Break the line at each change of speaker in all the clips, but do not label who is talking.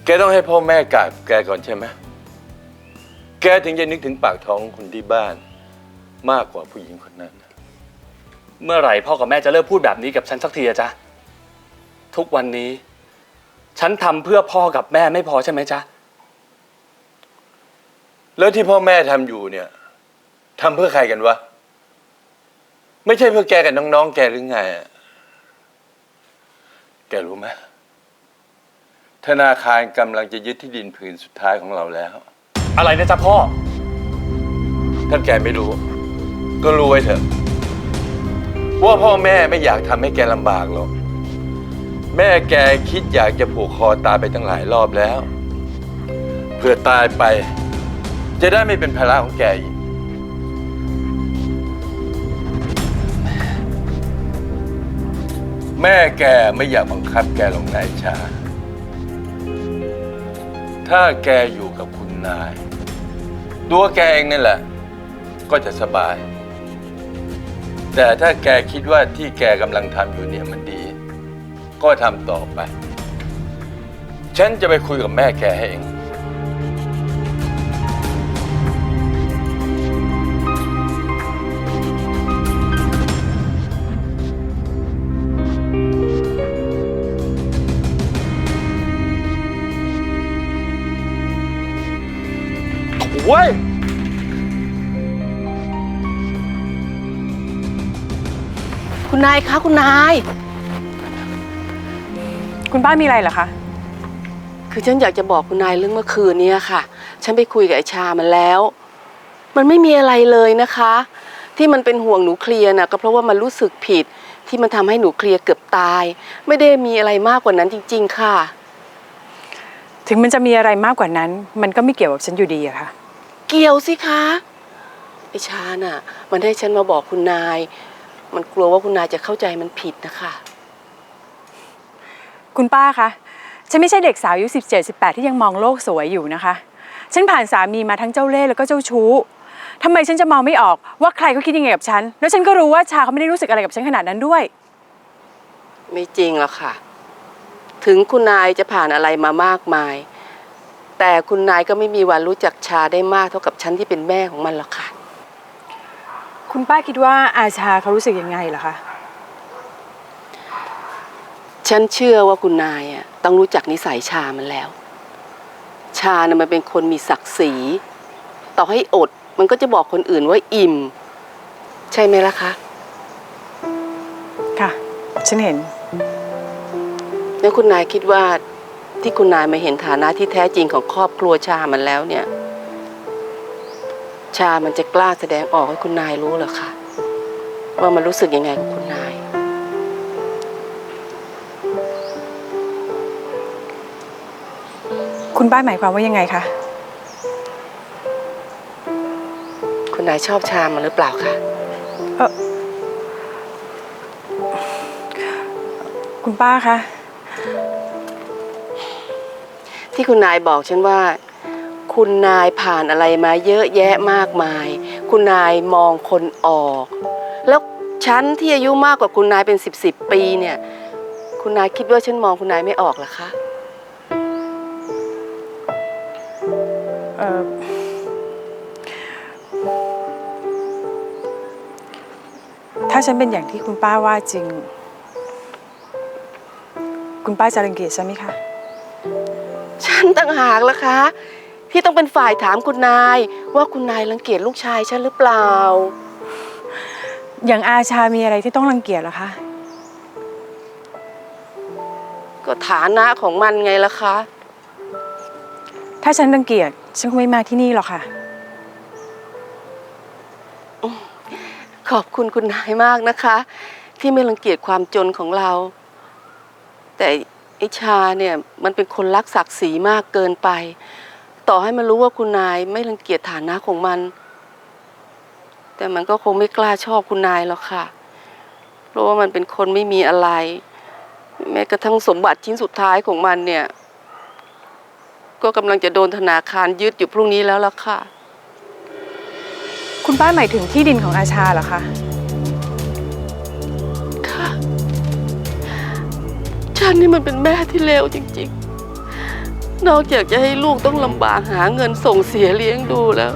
แกต้องให้พ่อแม่กราบแกก่อนใช่ไหมแกถึงจะนึกถึงปากท้องคนที่บ้านมากกว่าผู้หญิงคนนั้น
เมื่อไหร่พ่อกับแม่จะเลิกพูดแบบนี้กับฉันสักทีอะจ๊ะทุกวันนี้ฉันทำเพื่อพ่อกับแม่ไม่พอใช่ไหมจ๊ะ
แล้วที่พ่อแม่ทำอยู่เนี่ยทำเพื่อใครกันวะไม่ใช่เพื่อแกกับน้องๆแกหรือไงแกรู้ไหมธนาคารกำลังจะยึดที่ดินผืนสุดท้ายของเราแล้ว
อะไรนะจ๊ะพ่อ
ถ้าแกไม่รู้ก็รู้ไว้เถอะว่าพ่อแม่ไม่อยากทำให้แกลำบากหรอกแม่แกคิดอยากจะผูกคอตายไปตั้งหลายรอบแล้วเพื่อตายไปจะได้ไม่เป็นภาระของแกอีกแม่แกไม่อยากบังคับแกหรอกนายชาถ้าแกอยู่กับคุณนายตัวแกเองนี่แหละก็จะสบายแต่ถ้าแกคิดว่าที่แกกำลังทำอยู่เนี่ยมันดีก็ทำต่อไปฉันจะไปคุยกับแม่แกให้เองเว้ย
คุณนายคะคุณนาย
คุณป้ามีอะไรเหรอคะ
คือฉันอยากจะบอกคุณนายเรื่องเมื่อคืนนี้ค่ะฉันไปคุยกับไอ้ชามันแล้วมันไม่มีอะไรเลยนะคะที่มันเป็นห่วงหนูเคลียร์น่ะก็เพราะว่ามันรู้สึกผิดที่มันทำให้หนูเคลียร์เกือบตายไม่ได้มีอะไรมากกว่านั้นจริงๆค่ะ
ถึงมันจะมีอะไรมากกว่านั้นมันก็ไม่เกี่ยวกับฉันอยู่ดีอะค่ะ
เกี่ยวสิคะไอ้ชาน่ะมันให้ฉันมาบอกคุณนายมันกลัวว่าคุณนายจะเข้าใจมันผิดนะคะ
คุณป้าคะฉันไม่ใช่เด็กสาวอายุ17-18ที่ยังมองโลกสวยอยู่นะคะฉันผ่านสามีมาทั้งเจ้าเล่ห์แล้วก็เจ้าชู้ทำไมฉันจะมองไม่ออกว่าใครเขาคิดยังไงกับฉันแล้วฉันก็รู้ว่าชาเขาไม่ได้รู้สึกอะไรกับฉันขนาดนั้นด้วย
ไม่จริงหรอกค่ะถึงคุณนายจะผ่านอะไรมามากมายแต่คุณนายก็ไม่มีวันรู้จักชาได้มากเท่ากับฉันที่เป็นแม่ของมันหรอกค่ะ
คุณป้าคิดว่าอาชาเขารู้สึกยังไงเหรอคะ
ฉันเชื่อว่าคุณนายต้องรู้จักนิสัยชามันแล้วชาน่ะมันเป็นคนมีศักดิ์ศรีต่อให้อดมันก็จะบอกคนอื่นว่าอิ่มใช่ไหมล่ะคะ
ค่ะฉันเห็น
แล้วคุณนายคิดว่าที่คุณนายมาเห็นฐานะที่แท้จริงของครอบครัวชามันแล้วเนี่ยชามันจะกล้าแสดงออกให้คุณนายรู้เหรอคะว่ามันรู้สึกยังไงกับคุณนาย
คุณป้าหมายความว่ายังไงคะ
คุณนายชอบชามันหรือเปล่าคะ
คุณป้าคะ
ที่คุณนายบอกฉันว่าคุณนายผ่านอะไรมาเยอะแยะมากมายคุณนายมองคนออกแล้วฉันที่อายุมากกว่าคุณนายเป็น10 ปีเนี่ยคุณนายคิดว่าฉันมองคุณนายไม่ออกเหรอคะ
ถ้าฉันเป็นอย่างที่คุณป้าว่าจริงคุณป้าจะรังเกียจฉันไหมคะ
ฉันต่างหากล่ะคะที่ต้องเป็นฝ่ายถามคุณนายว่าคุณนายรังเกียจลูกชายฉันหรือเปล่า
อย่างอาชามีอะไรที่ต้องรังเกียจเหรอคะ
ก็ฐานะของมันไงล่ะคะ
ถ้าฉันรังเกียจฉันคงไม่มาที่นี่หรอกค่ะ
ขอบคุณคุณนายมากนะคะที่ไม่รังเกียจความจนของเราแต่ไอ้ชาเนี่ยมันเป็นคนรักศักดิ์ศรีมากเกินไปต่อให้มันรู้ว่าคุณนายไม่รังเกียจฐานะของมันแต่มันก็คงไม่กล้าชอบคุณนายหรอกค่ะเพราะว่ามันเป็นคนไม่มีอะไรแม้กระทั่งสมบัติชิ้นสุดท้ายของมันเนี่ยก็กำลังจะโดนธนาคารยึดอยู่พรุ่งนี้แล้วล่ะค่ะ
คุณป้าหมายถึงที่ดินของอาชาเหรอคะ
ค่ะฉันนี่มันเป็นแม่ที่เลวจริงๆนอกจากจะให้ลูกต้องลำบากหาเงินส่งเสียเลี้ยงดูแล้ว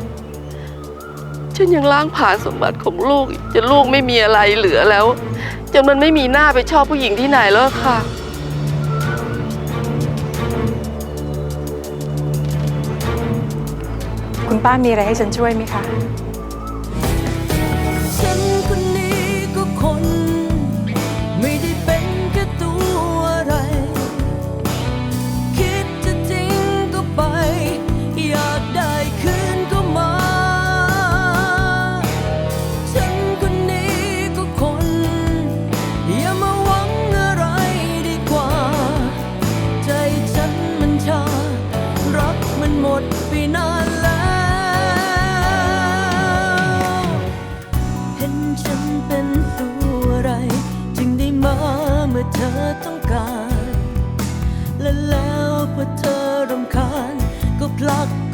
ฉันยังล้างผลาญสมบัติของลูกอีกจนลูกไม่มีอะไรเหลือแล้วจนมันไม่มีหน้าไปชอบผู้หญิงที่ไหนแล้วค่ะ
คุณป้ามีอะไรให้ฉันช่วยไหมคะ
ฉันคนนี้ก็คนไม่ได้เป็นแค่ตัวอะไรคิดจะจริงก็ไปอยากได้คืนก็มาฉันคนนี้ก็คนอย่ามาหวังอะไรดีกว่าใจฉันมันชารักมันหมดไปนานแล้วเห็นฉันเป็นตัวอะไรจึงได้มาเมื่อเธอต้องการและแล้วพอเธอรำคาญก็ผลัก